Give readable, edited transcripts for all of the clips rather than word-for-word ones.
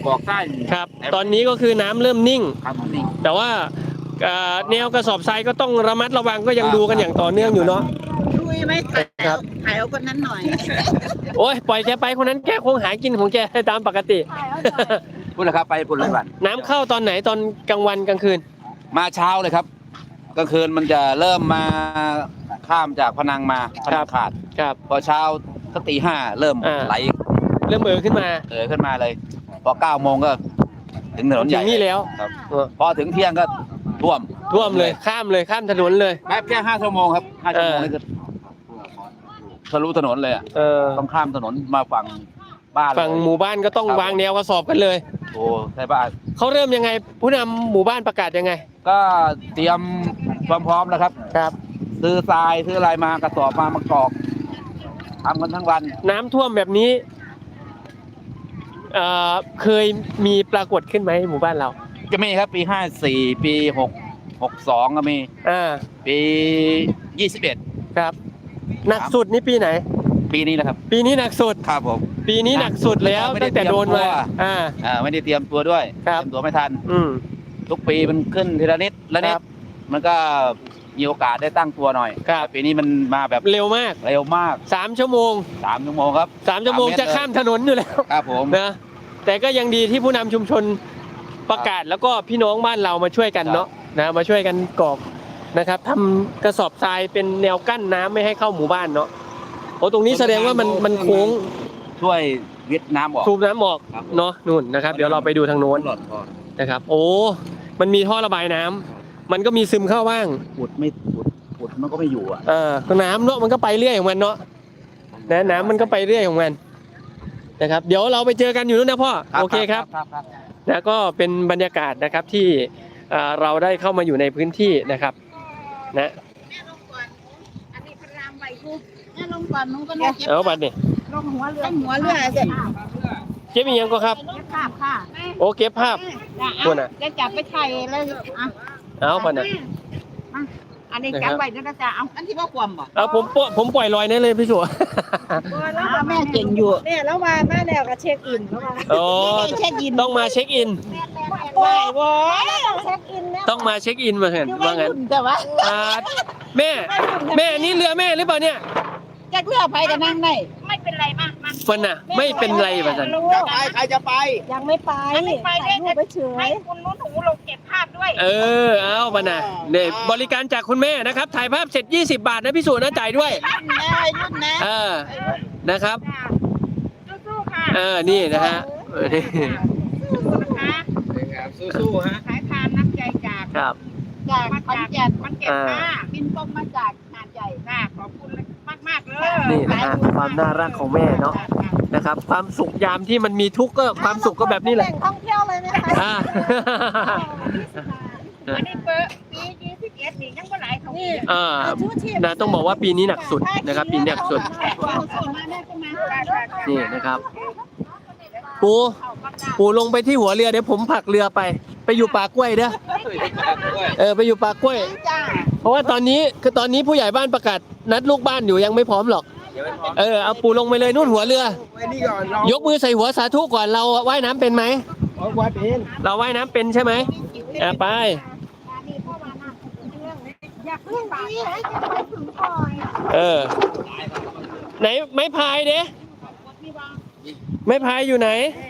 กอกใต้ครับตอนนี้ก็คือน้ำเริ่มนิ่งครับนิ่งแต่ว่าแนวกระสอบทรายก็ต้องระมัดระวังก็ยังดูกันอย่างต่อเนื่องอยู่เนาะช่วยไหมครับถ่ายเอาคนนั้นหน่อยโอ้ยปล่อยแกไปคนนั้นแกคงหากินของแกตามปกติพูดเลยครับไปพูดเลยวันน้ำเข้าตอนไหนตอนกลางวันกลางคืนมาเช้าเลยครับกลางคืนมันจะเริ่มมาข้ามจากพนังมาพนังขาดครับพอเช้าสักตี 5เริ่มไหลเริ่มขึ้นมาขึ้นมาเลยพอ9 โมงก็ถึงถนนใหญ่นี่แล้วครับพอถึงเที่ยงก็ท่วมเลยข้ามถนนเลยแค่5 ชั่วโมงครับ5 ชั่วโมงนี่คือทะลุถนนเลยต้องข้ามถนนมาฝั่งบ้านฝั่งหมู่บ้านก็ต้องวางแนวกระสอบกันเลยโอ้ใช่บ้านเขาเริ่มยังไงผู้นำหมู่บ้านประกาศยังไงก็เตรียมความพร้อมแล้วครับซื้อทรายซื้ออะไรมากระสอบมากรอกทำกันทั้งวันน้ำท่วมแบบนี้เคยมีปรากฏขึ้นไหมหมู่บ้านเราจะมีครับปี54ปี62ก็มีปี21 ครับหนักสุดนี่ปีไหนปีนี้แหละครับปีนี้หนักสุดครับผมปีนี้หนักสุดแล้วตั้งแต่โดนมาไม่ได้เตรียมตัวด้วยเตรียมตัวไม่ทันทุกปีมันขึ้นทีละนิดละนิดมันก็มีโอกาสได้ตั้งตัวหน่อยปีนี้มันมาแบบเร็วมาก3 ชั่วโมงครับ 3 ชั่วโมงจะข้ามถนนอยู่แล้วครับผมนะแต่ก็ยังดีที่ผู้นำชุมชนประกาศแล้วก็พี่น้องบ้านเรามาช่วยกันเนาะนะมาช่วยกันกรอกนะครับทำกระสอบทรายเป็นแนวกั้นน้ำไม่ให้เข้าหมู่บ้านเนาะโอ้ตรงนี้แสดงว่ามันโค้งช่วยวิทน้ำออกสูบน้ำออกเนาะนู่นนะครับเดี๋ยวเราไปดูทางโน้นนะครับโอ้มันมีท่อระบายน้ำมันก็มีซึมเข้าบ้างอุดมันก็ไม่อยู่ก็น้ำเนาะมันก็ไปเรื่อยของมันเนาะน้ำมันก็ไปเรื่อยของมันนะครับเดี๋ยวเราไปเจอกันอยู่นู้นนะพ่อโอเคครับแล้วก็เป็นบรรยากาศนะครับที่เราได้เข้ามาอยู่ในพื้นที่นะครับนะเอาบัตรนี่ลงหัวเรือเสร็จเก็บอีกยังก็ครับภาพค่ะโอเก็บภาพตัวน่ะจะจับไปถ่ายเลยเอาบัตรน่ะอันนี้จับไว้นะจ๊ะเอาอันที่ว่าความบ่เอาผมปล่อยลอยนั่นเลยพี่สัวแม่เก่งอยู่เนี่ยแล้วมาแนวกับเช็คอินแล้วมาเช็คอินต้องมาเช็คอินไม่โว้เช็คอินต้องมาเช็คอินมาเห็นว่างั้นแต่ว่าแม่นี่เรือแม่หรือเปล่าเนี่ยจะเลือกไปจะนั่งได้ไม่เป็นไรมากฟันน่ะไม่เป็นไรป่ะจันใครจะไปยังไม่ไปถ่ายรูปไปเฉยให้คุณนุ่นหูลงเก็บภาพด้วยเอาป่ะนะเนี่ยบริการจากคุณแม่นะครับถ่ายภาพเสร็จ20 บาทนะพี่สุนะจ่ายด้วยยุ่นนะนะครับสู้ๆค่ะนี่นะฮะสู้ๆฮะสายทานน้ำใจจากขอนแก่นบินตรงมาจากหาดใหญ่ขอบคุณมากเลยนี่นะฮะความน่ารักของแม่เนาะนะครับความสุขยามที่มันมีทุกข์ก็ความสุขก็แบบนี้แหละท่องเที่ยวเลยไหมคะอันนี้เปิดปี21นี่ยังบ่หลายเขานะต้องบอกว่าปีนี้หนักสุดนะครับปีนี้หนักสุดนี่นะครับปูลงไปที่หัวเรือเดี๋ยวผมผลักเรือไปอยู่ป่ากล้วยเด้อไปอยู่ป่ากล้วยเพราะว่าตอนนี้ผู้ใหญ่บ้านประกาศนัดลูกบ้านอยู่ยังไม่พร้อมหรอกเอาปูลงไปเลยนู่นหัวเรือยกมือใส่หัวสาธุก่อนเราว่ายน้ำเป็นไหมเราว่ายน้ำเป็นใช่ไหมไปไหนไม้พายเด้ไม้พายอยู่ไหน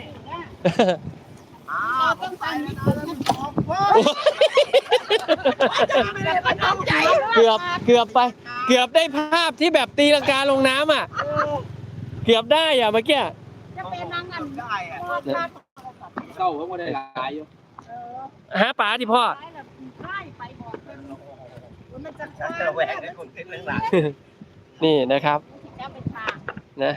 เกือบไปเกือบได้ภาพที่แบบตีลังกาลงน้ำเกือบได้เมื่อกี้จะเป็นนางงามได้เข้าเขาไม่ได้หลายอยู่หาปลาที่พ่อนี่นะครับนะ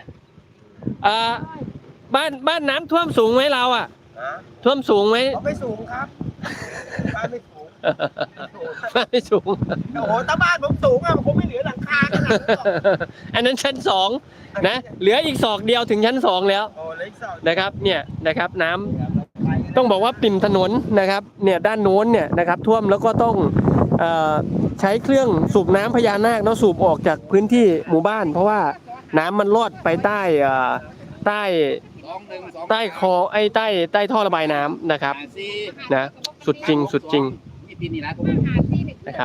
บ้านน้ำท่วมสูงไหมเราท่วมสูงไหมไม่สูงครับบ้านไม่สูงไม่สูงโอ้โหถ้าบ้านผมสูงมันคงไม่เหลือหลังคาขนาดนั้นอันนั้นชั้น2นะเหลืออีกศอกเดียวถึงชั้น2แล้วนะครับเนี่ยนะครับน้ำต้องบอกว่าปิ่มถนนนะครับเนี่ยด้านโน้นเนี่ยนะครับท่วมแล้วก็ต้องใช้เครื่องสูบน้ำพญานาคเนาะสูบออกจากพื้นที่หมู่บ้านเพราะว่าน้ำมันลอดไปใต้ใต้คอไอ้ใต้ท่อระบายน้ำนะครับนะสุดจริงนะครับ